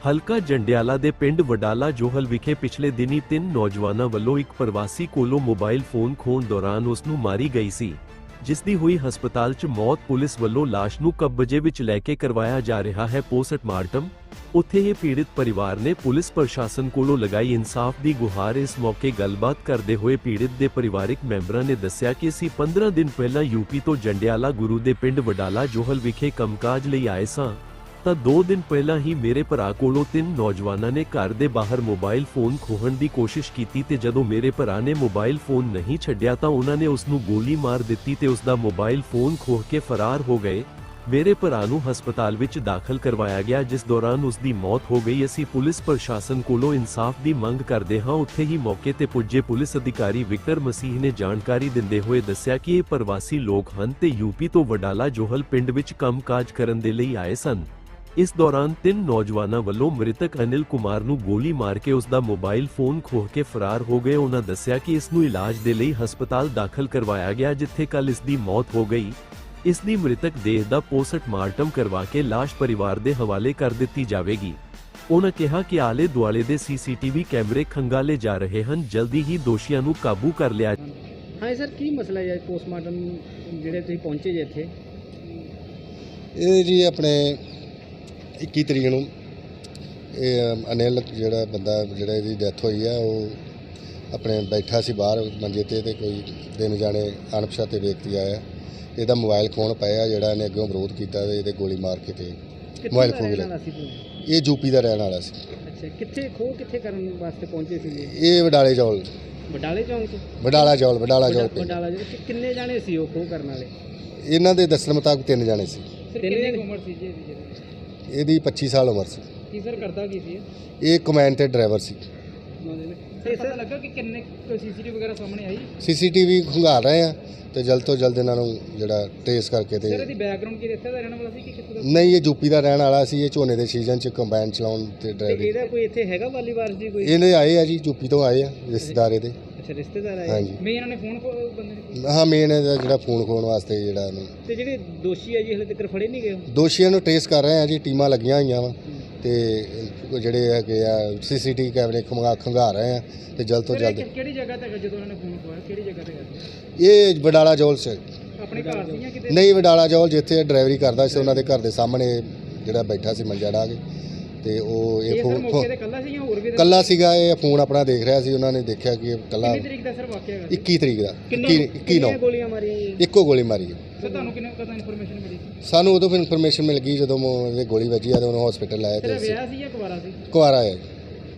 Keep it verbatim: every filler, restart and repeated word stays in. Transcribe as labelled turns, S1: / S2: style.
S1: ਹਲਕਾ ਜੰਡਿਆਲਾ ਦੇ ਪਿੰਡ ਵਡਾਲਾ ਜੋਹਲ ਵਿਖੇ ਪਿਛਲੇ ਦਿਨੀ ਤਿੰਨ ਨੌਜਵਾਨਾਂ ਵੱਲੋਂ ਇੱਕ ਪ੍ਰਵਾਸੀ ਕੋਲੋਂ ਮੋਬਾਈਲ ਫੋਨ ਖੋਹਣ ਦੌਰਾਨ ਉਸ ਨੂੰ ਮਾਰੀ ਗਈ ਸੀ, ਜਿਸ ਦੀ ਹੋਈ ਹਸਪਤਾਲ 'ਚ ਮੌਤ। ਪੁਲਿਸ ਵੱਲੋਂ ਲਾਸ਼ ਨੂੰ ਕਬਜ਼ੇ ਵਿੱਚ ਲੈ ਕੇ ਕਰਵਾਇਆ ਜਾ ਰਿਹਾ ਹੈ ਪੋਸਟਮਾਰਟਮ। ਉੱਥੇ ਹੀ ਪੀੜਿਤ ਪਰਿਵਾਰ ਨੇ ਪੁਲਿਸ ਪ੍ਰਸ਼ਾਸਨ ਕੋਲੋਂ ਲਗਾਈ ਇਨਸਾਫ ਦੀ ਗੁਹਾਰ। ਇਸ ਮੌਕੇ ਗੱਲਬਾਤ ਕਰਦੇ ਹੋਏ ਪੀੜਿਤ ਦੇ ਪਰਿਵਾਰਕ ਮੈਂਬਰਾਂ ਨੇ ਦੱਸਿਆ ਕਿ ਅਸੀਂ ਪੰਦਰਾਂ ਦਿਨ ਪਹਿਲਾਂ ਯੂਪੀ ਤੋਂ ਜੰਡਿਆਲਾ ਗੁਰੂ ਦੇ ਪਿੰਡ ਵਡਾਲਾ ਜੋਹਲ ਵਿਖੇ ਕੰਮਕਾਜ ਲਈ ਆਏ ਸਾਂ ਤਾਂ ਦੋ ਦਿਨ ਪਹਿਲਾਂ ਹੀ ਮੇਰੇ ਭਰਾ ਕੋਲੋਂ ਤਿੰਨ ਨੌਜਵਾਨਾਂ ਨੇ ਘਰ ਦੇ ਬਾਹਰ ਮੋਬਾਈਲ ਫੋਨ ਖੋਹਣ ਦੀ ਕੋਸ਼ਿਸ਼ ਕੀਤੀ ਤੇ ਜਦੋਂ ਮੇਰੇ ਭਰਾ ਨੇ ਮੋਬਾਈਲ ਫੋਨ ਨਹੀਂ ਛੱਡਿਆ ਤਾਂ ਉਹਨਾਂ ਨੇ ਉਸ ਨੂੰ ਗੋਲੀ ਮਾਰ ਦਿੱਤੀ ਤੇ ਉਸ ਦਾ ਮੋਬਾਈਲ ਫੋਨ ਖੋਹ ਕੇ ਫਰਾਰ ਹੋ ਗਏ। ਮੇਰੇ ਭਰਾ ਨੂੰ ਹਸਪਤਾਲ ਵਿੱਚ ਦਾਖਲ ਕਰਵਾਇਆ ਗਿਆ, ਜਿਸ ਦੌਰਾਨ ਉਸ ਦੀ ਮੌਤ ਹੋ ਗਈ। ਅਸੀਂ ਪੁਲਿਸ ਪ੍ਰਸ਼ਾਸਨ ਕੋਲੋਂ ਇਨਸਾਫ ਦੀ ਮੰਗ ਕਰਦੇ ਹਾਂ। ਉੱਥੇ ਹੀ ਮੌਕੇ ਤੇ ਪੁੱਜੇ ਪੁਲਿਸ ਅਧਿਕਾਰੀ ਵਿਕਟਰ ਮਸੀਹ ਨੇ ਜਾਣਕਾਰੀ ਦਿੰਦੇ ਹੋਏ ਦੱਸਿਆ ਕਿ ਇਹ ਪ੍ਰਵਾਸੀ ਲੋਕ ਹਨ ਤੇ ਯੂਪੀ ਤੋਂ ਵਡਾਲਾ ਜੋਹਲ ਪਿੰਡ ਵਿੱਚ ਕੰਮਕਾਜ ਕਰਨ ਦੇ ਲਈ ਆਏ ਸਨ। ਇਸ ਦੌਰਾਨ ਤਿੰਨ ਨੌਜਵਾਨਾਂ ਵੱਲੋਂ ਮ੍ਰਿਤਕ ਅਨਿਲ ਕੁਮਾਰ ਨੂੰ ਗੋਲੀ ਮਾਰ ਕੇ ਉਸ ਦਾ ਮੋਬਾਈਲ ਫੋਨ ਖੋਹ ਕੇ ਫਰਾਰ ਹੋ ਗਏ। ਉਹਨਾਂ ਦੱਸਿਆ ਕਿ ਇਸ ਨੂੰ ਇਲਾਜ ਦੇ ਲਈ ਹਸਪਤਾਲ ਦਾਖਲ ਕਰਵਾਇਆ ਗਿਆ, ਜਿੱਥੇ ਕੱਲ ਇਸ ਦੀ ਮੌਤ ਹੋ ਗਈ। ਇਸ ਦੀ ਮ੍ਰਿਤਕ ਦੇਹ ਦਾ ਪੋਸਟਮਾਰਟਮ ਕਰਵਾ ਕੇ ਲਾਸ਼ ਪਰਿਵਾਰ ਦੇ ਹਵਾਲੇ ਕਰ ਦਿੱਤੀ ਜਾਵੇਗੀ। ਉਹਨਾਂ ਕਿਹਾ ਕਿ ਆਲੇ ਦੁਆਲੇ ਦੇ ਸੀਸੀਟੀਵੀ ਕੈਮਰੇ ਖੰਗਾਲੇ ਜਾ ਰਹੇ ਹਨ, ਜਲਦੀ ਹੀ ਦੋਸ਼ੀਆਂ ਨੂੰ ਕਾਬੂ ਕਰ ਲਿਆ।
S2: ਹਾਂ ਸਰ, ਕੀ ਮਸਲਾ ਹੈ ਪੋਸਟਮਾਰਟਮ ਜਿਹੜੇ ਤੁਸੀਂ ਪਹੁੰਚੇ ਜੇ ਇੱਥੇ?
S3: ਇਹ ਜੀ ਆਪਣੇ ਇੱਕੀ ਤਰੀਕ ਨੂੰ ਇਹ ਅਨਿਲ ਜਿਹੜਾ ਬੰਦਾ ਜਿਹੜਾ ਇਹਦੀ ਡੈਥ ਹੋਈ ਆ, ਉਹ ਆਪਣੇ ਬੈਠਾ ਸੀ ਬਾਹਰ ਮੰਜੇ 'ਤੇ ਤੇ ਕੋਈ ਤਿੰਨ ਜਾਣੇ ਅਣਪਛਾਤੇ ਵਿਅਕਤੀ ਆਇਆ, ਇਹਦਾ ਮੋਬਾਈਲ ਖੋਹਣ ਪਾਇਆ। ਜਿਹੜਾ ਇਹਨੇ ਅੱਗੋਂ ਵਿਰੋਧ ਕੀਤਾ ਤੇ ਇਹਦੇ ਗੋਲੀ ਮਾਰ ਕੇ ਤੇ ਮੋਬਾਈਲ ਖੋਹ ਲਿਆ। ਇਹ ਯੂਪੀ ਦਾ ਰਹਿਣ ਵਾਲਾ ਸੀ।
S2: ਅੱਛਾ, ਕਿੱਥੇ ਖੋਹ ਕਿੱਥੇ ਕਰਨ ਵਾਸਤੇ ਪਹੁੰਚੇ ਸੀ?
S3: ਇਹ ਵਡਾਲੇ ਚੌਲ
S2: ਵਡਾਲੇ ਚੌਂਕ 'ਚ?
S3: ਵਡਾਲਾ ਚੌਲ ਵਡਾਲਾ ਚੌਲ
S2: ਵਡਾਲਾ ਚੌਲ। ਕਿੰਨੇ ਜਾਣੇ ਸੀ ਉਹ ਖੋਹ ਕਰਨ ਵਾਲੇ?
S3: ਇਹਨਾਂ ਦੇ ਦੱਸਣ ਮੁਤਾਬਕ ਤਿੰਨ ਜਾਣੇ ਸੀ।
S2: ਕਿੰਨੀ ਉਮਰ ਸੀ ਜੀ ਇਹਦੀ?
S3: ਇਹਦੀ ਪੱਚੀ ਸਾਲ ਉਮਰ ਸੀ।
S2: ਕੀ ਸਰ ਕਰਦਾ ਕੀ ਸੀ
S3: ਇਹ ਕਮੈਨ ਤੇ ਡਰਾਈਵਰ ਸੀ।
S2: ਸਹੀ ਪਤਾ ਲੱਗਾ ਕਿ ਕਿੰਨੇ ਕੋਈ ਸੀਸੀਟੀਵੀ ਵਗੈਰਾ ਸਾਹਮਣੇ ਆਈ?
S3: ਸੀਸੀਟੀਵੀ ਖੰਗਾਲ ਰਹੇ ਆ ਤੇ ਜਲਦ ਤੋਂ ਜਲਦ ਇਹਨਾਂ ਨੂੰ ਜਿਹੜਾ ਟ੍ਰੇਸ ਕਰਕੇ ਤੇ।
S2: ਸਰ ਇਹਦੀ ਬੈਕਗ੍ਰਾਉਂਡ ਕੀ ਇੱਥੇ ਦਾ ਰਹਿਣ ਵਾਲਾ ਸੀ ਕਿ ਕਿੱਥੇ ਦਾ?
S3: ਨਹੀਂ, ਇਹ ਯੂਪੀ ਦਾ ਰਹਿਣ ਵਾਲਾ ਸੀ। ਇਹ ਝੋਨੇ ਦੇ ਸੀਜ਼ਨ 'ਚ ਕੰਬਾਈਨ ਚਲਾਉਣ ਤੇ ਡਰਾਈਵਿੰਗ।
S2: ਇਹਦਾ ਕੋਈ ਇੱਥੇ ਹੈਗਾ ਵਾਲੀ ਵਾਰਸ ਜੀ ਕੋਈ?
S3: ਇਹਨੇ ਆਏ ਆ ਜੀ, ਯੂਪੀ ਤੋਂ ਆਏ ਆ ਰਿਸ਼ਤੇਦਾਰ ਇਹਦੇ।
S2: ਅੱਛਾ, ਰਿਸ਼ਤੇਦਾਰ ਆਏ।
S3: ਹਾਂਜੀ।
S2: ਮੈਂ ਇਹਨਾਂ ਨੇ ਫੋਨ ਬੰਦੇ ਨੇ?
S3: ਹਾਂ, ਮੇਨ ਇਹਦਾ ਜਿਹੜਾ ਫੋਨ ਖੋਣ ਵਾਸਤੇ ਜਿਹੜਾ ਇਹਨੂੰ।
S2: ਤੇ ਜਿਹੜੇ ਦੋਸ਼ੀ ਆ ਜੀ ਹਲੇ ਤੱਕ ਫੜੇ ਨਹੀਂ ਗਏ?
S3: ਦੋਸ਼ੀਆਂ ਨੂੰ ਟ੍ਰੇਸ ਕਰ ਰਹੇ ਆ ਜੀ, ਟੀਮਾਂ ਲੱਗੀਆਂ ਹੋਈਆਂ ਵਾ ਤੇ ਜਿਹੜੇ ਹੈਗੇ ਆ ਸੀਸੀਟੀਵੀ ਕੈਮਰੇ ਖੰਗਾ ਖੰਗਾ ਰਹੇ ਆ ਤੇ ਜਲਦ ਤੋਂ ਜਲਦ।
S2: ਕਿਹੜੀ ਜਗ੍ਹਾ ਤੇ ਜਦੋਂ ਇਹਨਾਂ ਨੇ ਫੋਨ ਖੋਇਆ ਕਿਹੜੀ ਜਗ੍ਹਾ ਤੇ ਗਿਆ?
S3: ਇਹ ਵਡਾਲਾ ਜੌਲ ਸੇ
S2: ਆਪਣੇ ਘਰ ਸੀ ਜਾਂ ਕਿਤੇ?
S3: ਨਹੀਂ, ਵਡਾਲਾ ਜੌਲ ਜਿੱਥੇ ਡਰਾਈਵਰੀ ਕਰਦਾ ਸੀ ਉਹਨਾਂ ਦੇ ਘਰ ਦੇ ਸਾਹਮਣੇ ਜਿਹੜਾ ਬੈਠਾ ਸੀ ਮੰਜਾ ਢਾ ਕੇ ਤੇ ਉਹ ਇਹ ਫੋਨ
S2: ਕੱਲਾ ਸੀ ਜਾਂ ਹੋਰ ਵੀ?
S3: ਕੱਲਾ ਸੀਗਾ। ਇਹ ਫੋਨ ਆਪਣਾ ਦੇਖ ਰਿਹਾ ਸੀ। ਉਹਨਾਂ ਨੇ ਦੇਖਿਆ ਕਿ ਇਹ ਕੱਲਾ।
S2: ਕਿੰਨੀ ਤਰੀਕ ਦਾ ਸਰ ਵਾਕਿਆ ਹੈਗਾ?
S3: ਇੱਕੀ ਤਰੀਕ ਦਾ।
S2: ਇੱਕੀ ਨੌ ਗੋਲੀਆਂ ਮਾਰੀਆਂ ਜੀ?
S3: ਇੱਕੋ ਗੋਲੀ ਮਾਰੀ ਹੈ।
S2: ਸਰ ਤੁਹਾਨੂੰ ਕਿੰਨੇ ਕਦੋਂ ਇਨਫੋਰਮੇਸ਼ਨ ਮਿਲੀ?
S3: ਸਾਨੂੰ ਉਦੋਂ ਫਿਰ ਇਨਫੋਰਮੇਸ਼ਨ ਮਿਲ ਗਈ ਜਦੋਂ ਇਹਦੇ ਗੋਲੀ ਵੱਜੀ ਆ ਤੇ ਉਹਨੂੰ ਹਸਪੀਟਲ ਲਾਇਆ ਤੇ।
S2: ਵਿਆਹ ਸੀ ਜਾਂ ਕੁਵਾਰਾ ਸੀ?
S3: ਕੁਆਰਾ ਹੈ।